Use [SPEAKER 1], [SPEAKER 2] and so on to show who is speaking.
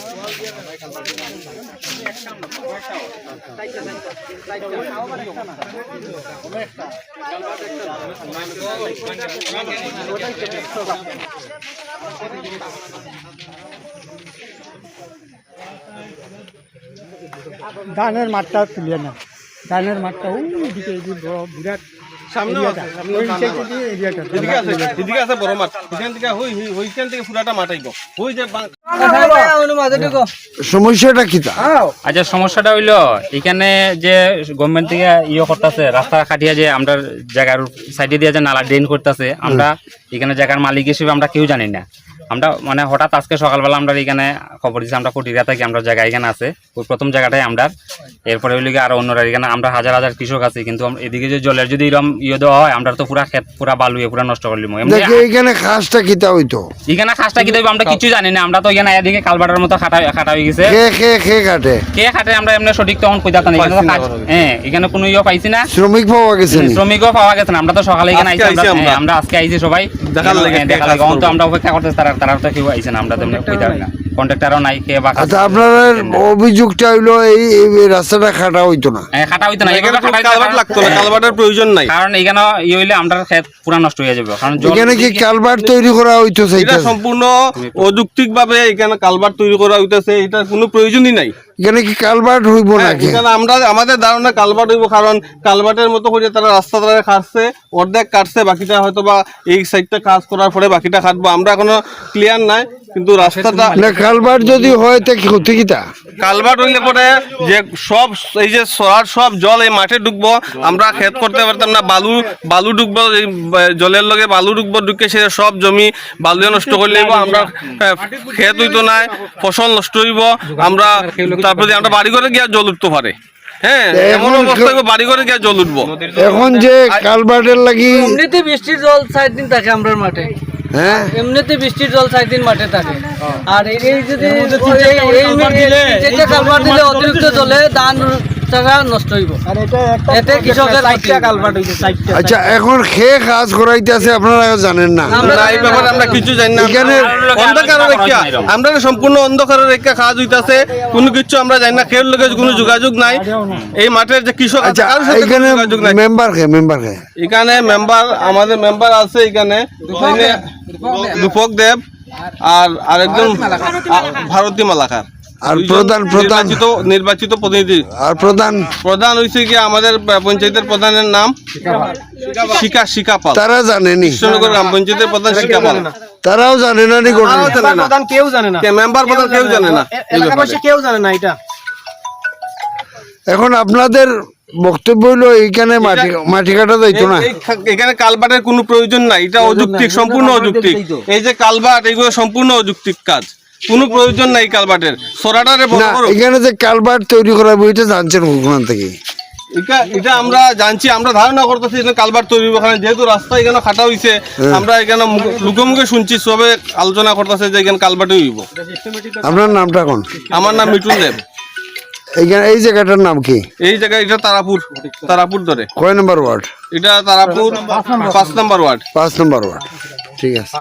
[SPEAKER 1] ধানের মাঠটা তুলে না, ধানের মাঠটা ওইদিকে বিরাট
[SPEAKER 2] সমস্যাটা কি?
[SPEAKER 3] আচ্ছা, সমস্যাটা হইলো এখানে যে গভর্নমেন্ট থেকে করতেছে, রাস্তা কাটিয়া যে আমরা জায়গার সাইডে দিয়ে যে নালা ড্রেন করতেছে, আমরা এখানে জায়গার মালিক হিসেবে আমরা কেউ জানি না। আমরা মানে হঠাৎ আজকে সকালবেলা আমরা এখানে খবর দিচ্ছি, আমরা কোটিরা থাকি, আমরা জায়গা এখানে আছে, ওই প্রথম জায়গাটাই আমরা। এরপরে হইলে আরো অন্যরা এখানে আমরা হাজার হাজার কৃষক আছি, কিন্তু এদিকে যে জলের যদি এরকম দেওয়া হয়, আমরা তো পুরা ক্ষেত পুরা বালুয়ে পুরা নষ্ট করলিম।
[SPEAKER 2] এখানে খাসটা কিতা হইতো,
[SPEAKER 3] এখানে খাসটা কি আমরা কিছু জানি না। আমরা তো এখানে এদিকে কালবাটার মতো খাটা হয়ে গেছে। কে খাটে আমরা এমনি সঠিক তখন কইতাম না। হ্যাঁ, এখানে কোনো পাইছি না,
[SPEAKER 2] শ্রমিকও
[SPEAKER 3] পাওয়া গেছে না। আমরা তো সকালে এখানে আইছি, আমরা আজকে আইছি সবাই দেখার লাগে। তো আমরা অপেক্ষা করতেছি, তারা তো কেউ আইছে না, আমরা তো কইতাম না, কন্ট্রাক্টরও নাই কে বা।
[SPEAKER 2] আচ্ছা, আপনার অভিযোগটা হইলো এই রাস্তাটা খাটা হইতো না?
[SPEAKER 3] হ্যাঁ, খাটা হইতো না,
[SPEAKER 4] কালভার্ট লাগতো না, কালভার্টের প্রয়োজন নাই।
[SPEAKER 3] কারণ এখানে হইলে আমরা ক্ষেত পুরা নষ্ট হয়ে যাবে। কারণ
[SPEAKER 2] এখানে কি কালভার্ট তৈরি করা হইতো?
[SPEAKER 4] এটা সম্পূর্ণ অযৌক্তিক ভাবে এখানে কালভার্ট তৈরি করা হইতেছে, এটার কোনো প্রয়োজনই নাই।
[SPEAKER 2] এখানে কি কালভার্ট হইব না?
[SPEAKER 4] এখানে আমাদের ধারণা কালভার্ট হইব, কারণ কালভার্টের মতো করে তারা রাস্তা তারা কাটছে, অর্ধেক কাটছে, বাকিটা হয়তো বা এই সাইডটা কাজ করার পরে বাকিটা কাটবো, আমরা এখনো ক্লিয়ার নাই। কিন্তু রাস্তাটা
[SPEAKER 2] কালভার্ট যদি হয় তা ক্ষতি কিটা?
[SPEAKER 4] কালভার্ট হইলে পরে যে সব এই যে সব জল এই মাঠে ঢুকবো, আমরা ক্ষেত করতে পারতাম না। বালু ঢুকবো, এই জলের লগে বালু ঢুকবো, ঢুকে সে সব জমি বালু নষ্ট করে নেবো, আমরা ক্ষেত হইতো না, ফসল নষ্ট হইব। আমরা তারপরে আমরা বাড়ি করে গিয়ে জল উঠতে পারে। হ্যাঁ, এমন অবস্থা হইব বাড়ি করে গিয়ে জল উঠবো।
[SPEAKER 2] এখন যে কালভার্টের লাগি
[SPEAKER 1] এমনিতে বৃষ্টির জল 4 দিন থাকে আমরা মাঠে।
[SPEAKER 2] হ্যাঁ,
[SPEAKER 1] এমনিতে বৃষ্টির জল 4 দিন মাঠে থাকে। আর এই যদি কালভার্ট দিলে অতিরিক্ত জলে ধান নষ্ট হইব। এতে কৃষকের কালভার্ট হইছে 4টা।
[SPEAKER 2] আচ্ছা, এখন খেয়ে কাজ করাইতেছে, আপনারা জানেন না?
[SPEAKER 4] এই ব্যাপারে আমরা কিছু জানি না। এখানে অন্ধকারের রেখা, আমরা সম্পূর্ণ অন্ধকারের রেখা কাজ হইতাছে, কোনো কিছু আমরা জানি না। খেয়ের লোকের কোনো যোগাযোগ নাই এই মাঠের যে কৃষক আছে, কারোর সাথে কোনো যোগাযোগ নাই।
[SPEAKER 2] মেম্বার
[SPEAKER 4] এখানে আমাদের মেম্বার আছে এখানে রূপক দেব আর আরেকজন ভারতী মালাকার,
[SPEAKER 2] আর
[SPEAKER 4] নির্বাচিত প্রতিনিধি।
[SPEAKER 2] আর
[SPEAKER 4] প্রধান হইছে কি আমাদের পঞ্চায়েতের প্রধানের নাম শিকা পাল।
[SPEAKER 2] তারা জানেনি?
[SPEAKER 4] কৃষ্ণনগর গ্রাম পঞ্চায়েতের প্রধান শিকা পাল।
[SPEAKER 2] তারাও জানে না?
[SPEAKER 4] কেউ জানে না, মেম্বার প্রধান কেউ জানে না,
[SPEAKER 1] কেউ জানে না এটা।
[SPEAKER 2] এখন আপনাদের বক্তব্য হইলো এইখানে মাটি কাটা যাইতো না?
[SPEAKER 4] এখানে কালভার্টের কোনো প্রয়োজন নাই, এটা অযৌক্তিক, সম্পূর্ণ অযৌক্তিক। এই যে কালভার্ট, এগুলো সম্পূর্ণ অযৌক্তিক কাজ, কোনো প্রয়োজন নাই কালভার্টের।
[SPEAKER 2] এখানে যে কালভার্ট তৈরি করা বইটা জানছেন ওখান থেকে?
[SPEAKER 4] এটা আমরা জানছি, আমরা ধারণা করতেছি কালভার্ট তৈরি হবে, যেহেতু রাস্তা এখানে খাটা হইছে, আমরা এখানে মুখে শুনছি, সবে আলোচনা করতেছে যে এখানে কালভার্ট হইব।
[SPEAKER 2] আপনার নামটা কোন?
[SPEAKER 4] আমার নাম মিঠুন দেব।
[SPEAKER 2] এই জায়গাটার নাম কি?
[SPEAKER 4] এই জায়গা এটা তারাপুর ধরে।
[SPEAKER 2] কয় নম্বর ওয়ার্ড
[SPEAKER 4] এটা? Tarapur 5 number ward.
[SPEAKER 2] 5 number ward, ঠিক আছে।